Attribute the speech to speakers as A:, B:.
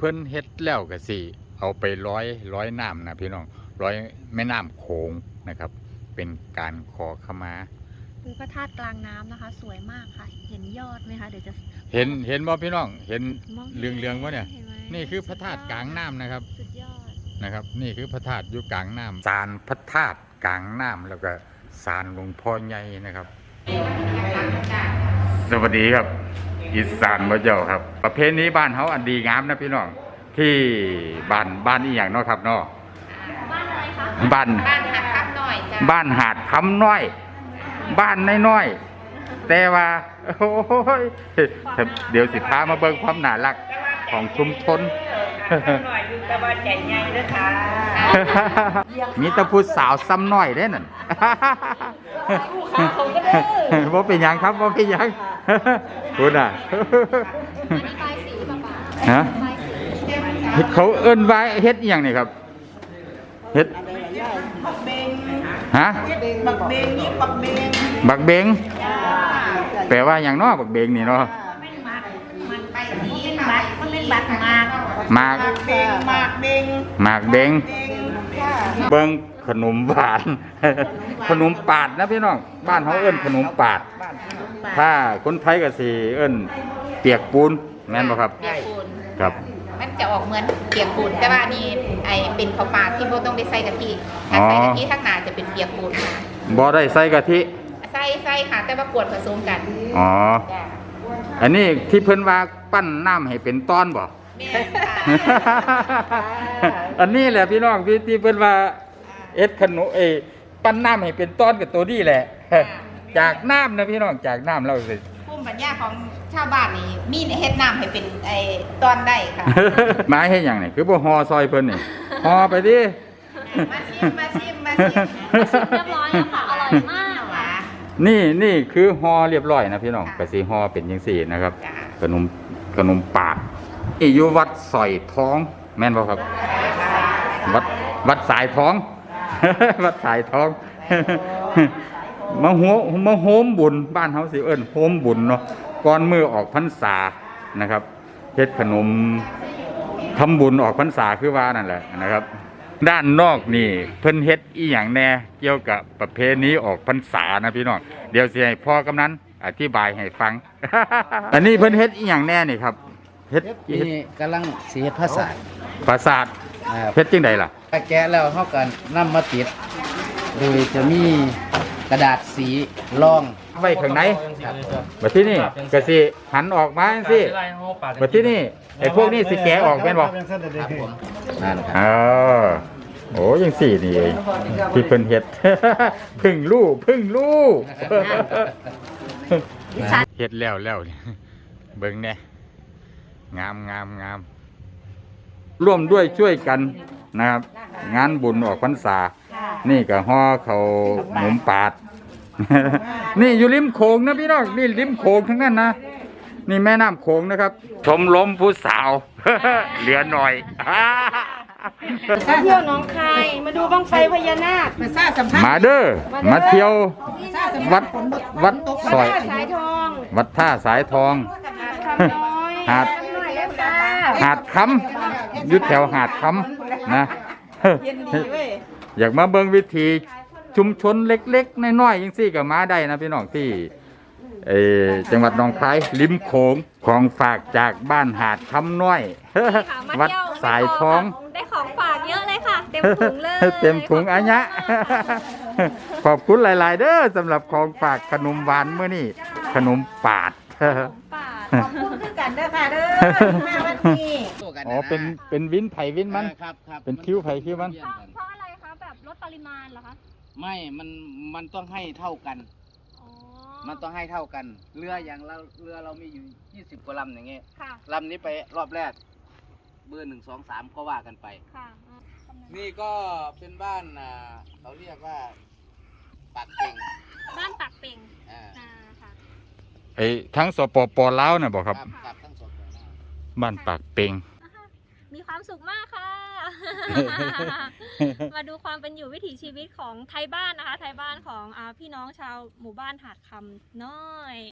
A: พิ่นเฮ็ดแล้วก็สิเอาไปร้อยน้ำนะพี่น้องร้อยแม่น้ำโขงนะครับเป็นการขอขมา
B: คือพระธาตุกลางน้ำนะคะสวยมากค่ะเห็นยอดไหมคะเดี๋ยวจะ
A: เห็นบ่พี่น้องเห็นเรืองๆวะเนี่ยนี่คือพระธาตุกลางน้ำนะครับ
B: สุดยอด
A: นะครับนี่คือพระธาตุอยู่กลางน้ำศาลพระธาตุกลางน้ำแล้วก็ศาลหลวงพ่อใหญ่นะครับสวัสดีครับอีสานบ่เจ้าครับประเพณีบ้านเฮาอันดีงามนะพี่น้องที่บ้านอีหยังเนาะครับเนาะ
B: บ้านอะไรคะ
A: บ้าน
B: หาดคำน้อยจ้ะ
A: บ้านหาดคำน้อยบ้านน้อยๆแต่ว่าโอ้ยเดี๋ยวสิพามาเบิ่งความน่ารักของชุมชนมีตะพูสาวซ้ำน้อยได้นั่นบ่เป็นหยังครับบ่เป็นหยังคุณอ่ะฮะเขาเอิ้นว่าเฮ็ดอีหยังนี่ครับเฮ็ดฮะบักเบงนี่บักเบงแปลว่าอย่างน้อบักเบงนี่เนาะหมากเบงเบิ้งขนมหวานขนมปาดนะพี่น้องบ้านเขาเอิ้นขนมปาดถ้าคนไทยก็สิเอิ้นเปียกปูนแม่นบ่ครับ
C: เปียกปูน
A: ครับ
C: มันจะออกเหมือนเปียกปูนแต่ว่านี่ไอเป็นข้าวปาดที่บ่ต้องไปใส่กะทิถ้าใส่กะทิข้างหน้าจะเป็นเปียกปูนค่ะ
A: บ่ได้ใส่กะทิ
C: ใส่ค่ะแต่ว่ากวนผสมกัน
A: อ๋ออันนี้ที่เพิ่นว่าปั้นน้ำให้เป็นต้อนบ่อันนี้แหละพี่น้องที่เพิ่นว่าเอ็ดขนมปั้นน้ำให้เป็นต้อนกับตัวนี้แหละจากน้ำนะพี่น้องจากน้ำเราสิ
C: ภูมิปัญญาของชาวบ้านนี่มีเฮ็ดน้ำให้เป็นต้อนได้ค่ะ
A: มาเฮ็ดหยังนี่คือบ่ห่อซอยเพิ่นนี่ห่อไปดิ
C: มาชิม
B: เรียบร้อยแล้วค่ะอร่อยมาก
A: นี่คือห่อเรียบร้อยนะพี่น้องก็สิห่อเป็นจังซี่นะครับขนมปากอยู่วัดสอยท้องแม่นบ่ครับวัดสายท้องวัดสายท้องมาโฮมบุญบ้านเฮาสิเอิ้นโฮมบุญเนาะก่อนมื้อออกพรรษานะครับเฮ็ดขนมทำบุญออกพรรษาคือว่านั่นแหละนะครับด้านนอกนี่เพิ่นเฮ็ดอีหยังแน่เกี่ยวกับประเพณีออกพรรษานะพี่น้องเดี๋ยวสิให้พ่อกำนันอธิบายให้ฟัง อันนี้เพิ่นเฮ็ดอีหยังแน่นี่ครับเฮ็ด
D: นี่กำลังสีเฮ็ดภาษา
A: เฮ็ดจังไดล่ะ
D: แกะแล้วเฮาก็นำมาติดโดยจะมีกระดาษสีรอง
A: ไว้ข้างในบัดที่นี่ก็สิหันออกมาจังซี่บัดที่นี่ไอ้พวกนี้สิแกะออกแม่นบ่
D: ครับผมนั่นครับ
A: โอ้ยังสี่นี่เองที่เพิ่นเฮ็ดพึ่งลูกเฮ็ดแล้วเบิ่งแน่งามร่วมด้วยช่วยกันนะครับงานบุญออกพรรษานี่ก็ห่อเขาหมุมปาดนี่อยู่ริมโขงนะพี่น้องนี่ริมโขงทั้งนั้นนะนี่แม่น้ำโขงนะครับชมรมผู้สาวเหลือหน่อย
B: มาเที่ยวหนองคายมาดูบั้งไฟพญานาค
A: มาเด้อมาเที่ยววัดซอยวัดท่าสายทองหาดคำยุดแถวหาดคำนะอยากมาเบิ่งวิถีชุมชนเล็กๆน้อยๆยังซี่ก็มาได้นะพี่น้องที่จังหวัดหนองคายริมโขงของฝากจากบ้านหาดคำน้อยวัดสายทอง
B: ได้ของฝากเยอะเลยค่ะเต็มถุงเลย
A: เต็มถุงอัญญะขอบคุณหลายๆเด้อสำหรับของฝากขนมหวานเมื่อนี้ขนมปาด
C: ขอบคุณคือกันเด้อค่ะเด้อแม่วันนี้
A: อ๋อเป็นวินไผ่วินมันเป็นคิ้วไผ่คิ้วมัน
B: เพราะอะไรคะแบบลดปริมาณเหรอคะ
D: ไม่มันต้องให้เท่ากันมันต้องให้เท่ากันเรือเรามีอยู่20กว่าลำอย่างเงี้ยลำนี้ไปรอบแรกเบอร์1 2 3ก็ว่ากันไปนี่ก็เป็นบ้านเขาเรียกว่าปากเป่ง
B: บ้านปากเป่ง
A: ค่ะทั้งสปป.ลาวน่ะบอกครับทั้งสปป.ลาวบ้านปากเป่ง
B: มีความสุขมากค่ะมาดูความเป็นอยู่วิถีชีวิตของไทยบ้านนะคะไทยบ้านของพี่น้องชาวหมู่บ้านหาดคำน้อย